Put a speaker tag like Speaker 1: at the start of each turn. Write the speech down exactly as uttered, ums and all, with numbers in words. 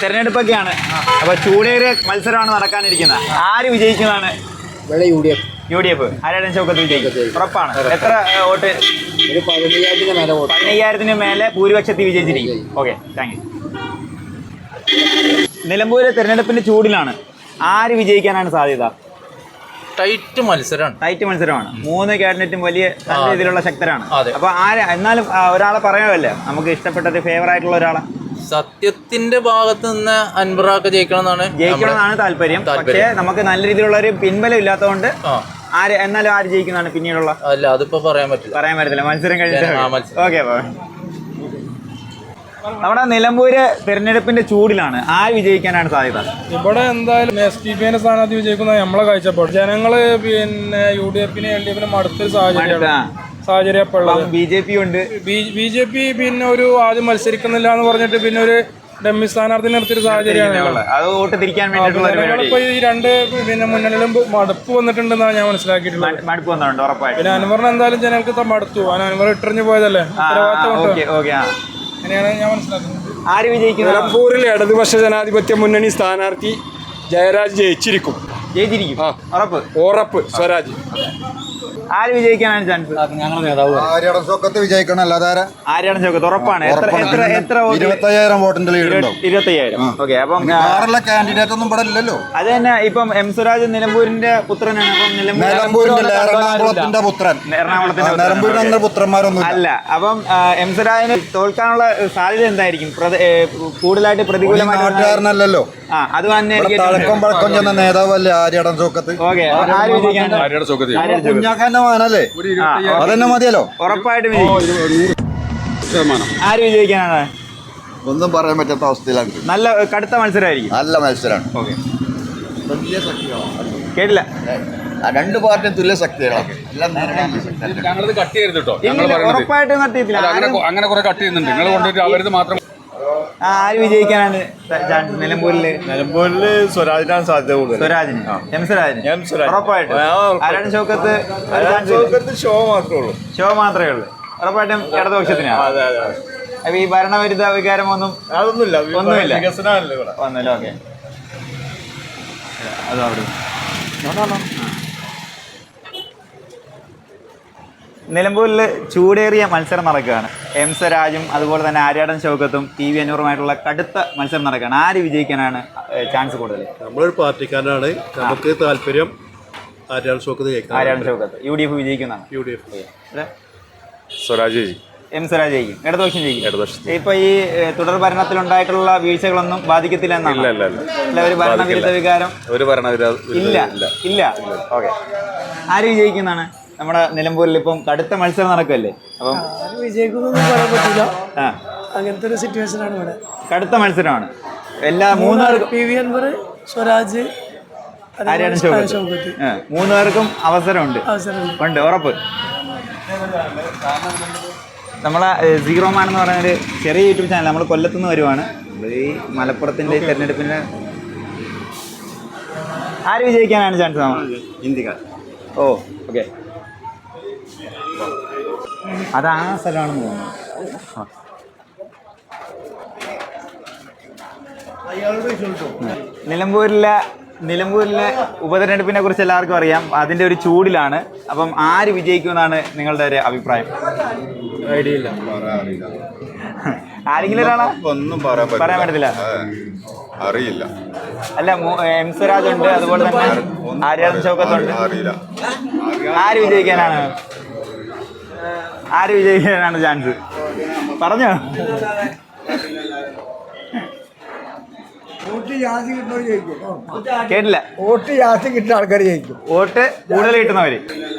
Speaker 1: തെരഞ്ഞെടുപ്പൊക്കെയാണ്. അപ്പൊ ചൂടേറിയ മത്സരമാണ് നടക്കാനിരിക്കുന്നത്. ആര് വിജയിക്കുന്നതാണ്?
Speaker 2: U D F.
Speaker 1: U D F ആരാണ് ഷൗക്കത്ത് വിജയിക്കും? ഉറപ്പാണ്. എത്ര വോട്ട്?
Speaker 2: ഒരു പതിനയ്യായിരത്തിന് മേലെ വോട്ട്.
Speaker 1: പതിനയ്യായിരത്തിന് മേലെ ഭൂരിപക്ഷത്തിൽ വിജയിച്ചിരിക്കും. Okay, thank you. നിലമ്പൂര് തെരഞ്ഞെടുപ്പിന്റെ ചൂടിലാണ്. ആര് വിജയിക്കാനാണ് സാധ്യത?
Speaker 3: ടൈറ്റ് മത്സരമാണ്.
Speaker 1: ടൈറ്റ് മത്സരമാണ്. മൂന്ന് ക്യാബിനറ്റും വലിയ നല്ല രീതിയിലുള്ള ശക്തരാണ്. അപ്പൊ ആര് എന്നാലും ഒരാളെ പറയാമല്ലേ, നമുക്ക് ഇഷ്ടപ്പെട്ടത് ഫേവർ ആയിട്ടുള്ള ഒരാളെ?
Speaker 3: സത്യത്തിന്റെ ഭാഗത്ത് നിന്ന് അൻവറാക്ക് ജയിക്കണം എന്നാണ്
Speaker 1: ജയിക്കണം എന്നാണ് താല്പര്യം. പക്ഷേ നമുക്ക് നല്ല രീതിയിലുള്ള ഒരു പിൻബലം ഇല്ലാത്തതുകൊണ്ട് ആര് എന്നാലും ആര് ജയിക്കുന്നതാണ് പിന്നീടുള്ള?
Speaker 3: അല്ല, അതിപ്പോ പറയാൻ പറ്റില്ല.
Speaker 1: പറയാൻ പറ്റത്തില്ല, മത്സരം കഴിഞ്ഞിട്ട്. ഓക്കെ, നമ്മുടെ നിലമ്പൂര് തെരഞ്ഞെടുപ്പിന്റെ ചൂടിലാണ്. ആര് വിജയിക്കാനാണ് സാധ്യത?
Speaker 4: ഇവിടെ എന്തായാലും എസ് ഡി പി സ്ഥാനാർത്ഥി വിജയിക്കുന്ന നമ്മളെ കാഴ്ചപ്പാട്. ജനങ്ങള് പിന്നെ യു ഡി എഫിനെ എൽ ഡി എഫിനെ മടുത്തൊരു സാഹചര്യമാണ് സാഹചര്യം ഇപ്പോൾ ഉള്ളത്.
Speaker 1: ബി ജെ പി ഉണ്ട്.
Speaker 4: ബി ജെ പി പിന്നെ ഒരു ആദ്യം മത്സരിക്കുന്നില്ല എന്ന് പറഞ്ഞിട്ട് പിന്നെ ഒരു ഡമ്മി സ്ഥാനാർത്ഥി നിർത്തിയൊരു സാഹചര്യമാണ്.
Speaker 1: അത് വോട്ട് തിരിക്കാൻ വേണ്ടിയിട്ടുള്ള
Speaker 4: ഇപ്പൊ ഈ രണ്ട് പിന്നെ മുന്നണിയിലും മടുപ്പ് വന്നിട്ടുണ്ടെന്നാണ് ഞാൻ മനസ്സിലാക്കിയിട്ടുള്ളത്.
Speaker 1: മടുപ്പ് വന്നിട്ടുണ്ട് ഉറപ്പായിട്ട്.
Speaker 4: പിന്നെ അൻവറിന് എന്തായാലും ജനങ്ങൾക്ക് മടുത്തു. അൻവർ ഇട്ടെറിഞ്ഞു പോയതല്ലേ, അങ്ങനെയാണ് ഞാൻ മനസ്സിലാക്കുന്നത്.
Speaker 1: ആര് വിജയിക്കും?
Speaker 5: നിലമ്പൂരിൽ ഇടതുപക്ഷ ജനാധിപത്യ മുന്നണി സ്ഥാനാർത്ഥി ജയരാജ് ജയിച്ചിരിക്കും.
Speaker 1: ജയിച്ചിരിക്കും ഉറപ്പ്.
Speaker 5: ഉറപ്പ്. സ്വരാജ്.
Speaker 1: ആര് വിജയിക്കാനാണ് ചാൻസ്?
Speaker 2: ഞങ്ങളുടെ നേതാവ് ആര്യാടൻ ഷൗക്കത്ത് വിജയിക്കണം. അല്ലാതെ
Speaker 1: ആര്യാടൻ ഷൗക്കത്ത് ഉറപ്പാണ്. എത്ര എത്ര എത്ര
Speaker 2: ഇരുപത്തയ്യായിരം വോട്ടിന്റെ ലീഡ് ഉണ്ടാവും.
Speaker 1: ഇരുപത്തയ്യായിരം. ഓക്കെ, അപ്പം
Speaker 2: കാൻഡിഡേറ്റ് ഒന്നും ഇവിടെ ഇല്ലല്ലോ.
Speaker 1: അത് തന്നെ. ഇപ്പം എം സ്വരാജ് നിലമ്പൂരിന്റെ പുത്രനാണ്. അപ്പം
Speaker 2: നിലമ്പൂരിന്റെ എറണാകുളത്തിന്റെ പുത്രൻ.
Speaker 1: എറണാകുളത്തിന്റെ
Speaker 2: നിലമ്പൂരിന്റെ പുത്രന്മാരൊന്നും
Speaker 1: അല്ല. അപ്പം എം സ്വരാജിന് തോൽക്കാനുള്ള സാധ്യത എന്തായിരിക്കും? കൂടുതലായിട്ട് പ്രതികൂലമായിട്ടല്ലോ. ആ, അത് തന്നെ
Speaker 2: തഴക്കം പഴക്കം ചെന്ന നേതാവല്ലേ ആര്യാടൻ ഷൗക്കത്ത്.
Speaker 1: ഓക്കെ, ആര് വിജയിക്കാനാണ്?
Speaker 2: കുഞ്ഞാക്കാന്റെ മകനല്ലേ, അതന്നെ മതിയല്ലോ.
Speaker 1: ഉറപ്പായിട്ടും ആര് വിജയിക്കാനാണ്?
Speaker 2: ഒന്നും പറയാൻ പറ്റാത്ത അവസ്ഥയിലാണ്.
Speaker 1: നല്ല കടുത്ത മത്സരമായിരിക്കും.
Speaker 2: നല്ല മത്സരമാണ്.
Speaker 1: ഓക്കെ, കേട്ടില്ല.
Speaker 2: രണ്ട് പാർട്ടിയും തുല്യ ശക്തികളാണ്.
Speaker 6: ഞങ്ങളത് കട്ട് ചെയ്യരുത് കേട്ടോ.
Speaker 1: ഉറപ്പായിട്ടും കട്ട് ചെയ്തില്ല.
Speaker 6: അങ്ങനെ കുറെ കട്ട് ചെയ്യുന്നുണ്ട്. നിങ്ങൾ കൊണ്ടുപോയിട്ട് അവരത് മാത്രം.
Speaker 1: ആര് വിജയിക്കാനാണ് ചാൻസ് നിലമ്പൂരില്?
Speaker 5: നിലമ്പൂരിൽ സ്വരാജിനാണ് സാധ്യത കൂടുതൽ.
Speaker 1: സ്വരാജിന്, എം സ്വരാജിന് ഉറപ്പായിട്ടും. ആരാണ് ഷൗക്കത്ത്?
Speaker 5: ഷോ മാത്രമേ ഉള്ളൂ.
Speaker 1: ഷോ മാത്രമേ ഉള്ളൂ. ഉറപ്പായിട്ടും ഇടതുപക്ഷത്തിനാണ്. അപ്പൊ ഈ ഭരണവിരുദ്ധ വികാരം ഒന്നും
Speaker 5: അതൊന്നുമില്ല.
Speaker 1: ഒന്നുമില്ല.
Speaker 5: വികസനമല്ലേ ഇവിടെ.
Speaker 1: ഒന്നുമില്ല. ഓക്കെ, അതവിടെ നിലമ്പൂരിൽ ചൂടേറിയ മത്സരം നടക്കുകയാണ്. എം സ്വരാജും അതുപോലെ തന്നെ ആര്യാടൻ ഷൗക്കത്തും ടി വി അനൂറുമായിട്ടുള്ള കടുത്ത മത്സരം നടക്കുകയാണ്. ആര് വിജയിക്കാനാണ് ചാൻസ് കൂടുതൽ?
Speaker 5: നമ്മളൊരു പാർട്ടിക്കാരനാണ്. നമുക്ക് താല്പര്യം ആര്യാടൻ ഷൗക്കത്ത് ജയിക്കണം.
Speaker 1: Aryadan Shoukath. U D F വിജയിക്കുന്നതാണ്.
Speaker 5: U D F. സ്വരാജ് ജയിക്കും.
Speaker 1: എം സ്വരാജ് ജയിക്കും. ഇടതുപക്ഷം ജയിക്കും. ഇപ്പൊ ഈ തുടർ ഭരണത്തിലുണ്ടായിട്ടുള്ള വീഴ്ചകളൊന്നും ബാധിക്കത്തില്ല എന്നാണ്. അല്ല, ഒരു ഭരണവിരുദ്ധ വികാരം
Speaker 5: ഒരു ഭരണവിരുദ്ധ
Speaker 1: ഇല്ല ഇല്ല ഓക്കെ. ആര് വിജയിക്കുന്നതാണ്? നമ്മുടെ നിലമ്പൂരിൽ ഇപ്പം കടുത്ത മത്സരം നടക്കുമല്ലേ, അപ്പം
Speaker 7: വിജയിക്കുന്നൊന്നും പറയാൻ പറ്റില്ല. അങ്ങനത്തെ ഒരു സിറ്റുവേഷനാണ് ഇവിടെ.
Speaker 1: കടുത്ത മത്സരമാണ്. എല്ലാ മൂന്നുപേർക്കും
Speaker 7: പി വി അൻവർ, സ്വരാജ്,
Speaker 1: ആര്യാടൻ ഷൗക്കത്ത് മൂന്ന് പേർക്കും അവസരമുണ്ട്. ഉണ്ട്, ഉറപ്പ്. നമ്മളെ സീറോ മാൻ എന്ന് പറയുന്നൊരു ചെറിയ യൂട്യൂബ് ചാനൽ നമ്മൾ കൊല്ലത്തുനിന്ന് വരുവാണ്. ഈ മലപ്പുറത്തിൻ്റെ തെരഞ്ഞെടുപ്പിന് ആര് വിജയിക്കാനാണ് ചാൻസ്?
Speaker 2: ഇന്ത്യക്കാർ.
Speaker 1: ഓ, ഓക്കെ. അത് ആ സ്ഥലമാണെന്ന് തോന്നുന്നു. നിലമ്പൂരിലെ നിലമ്പൂരിലെ ഉപതെരഞ്ഞെടുപ്പിനെ കുറിച്ച് എല്ലാവർക്കും അറിയാം. അതിൻ്റെ ഒരു ചൂടിലാണ്. അപ്പം ആര് വിജയിക്കുമെന്നാണ് നിങ്ങളുടെ ഒരു അഭിപ്രായം?
Speaker 5: ഐഡിയ ഇല്ല.
Speaker 1: ആരെങ്കിലും ഒരാളാ?
Speaker 2: ഒന്നും
Speaker 1: പറയാൻ പറ്റത്തില്ല.
Speaker 2: അറിയില്ല.
Speaker 1: അല്ല, എം സ്വരാജ് ഉണ്ട്, അതുപോലെ തന്നെ ആര്യാടൻ ഷൗക്കത്തുണ്ട്. ആര് വിജയിക്കാനാണ് ആര് വിജയിക്കാനാണ് ചാൻസ്? പറഞ്ഞോ. കേട്ടില്ല.
Speaker 2: വോട്ട് ജാസ്തി കിട്ടുന്ന ആൾക്കാർ ജയിക്കും.
Speaker 1: വോട്ട് കൂടുതൽ കിട്ടുന്നവര്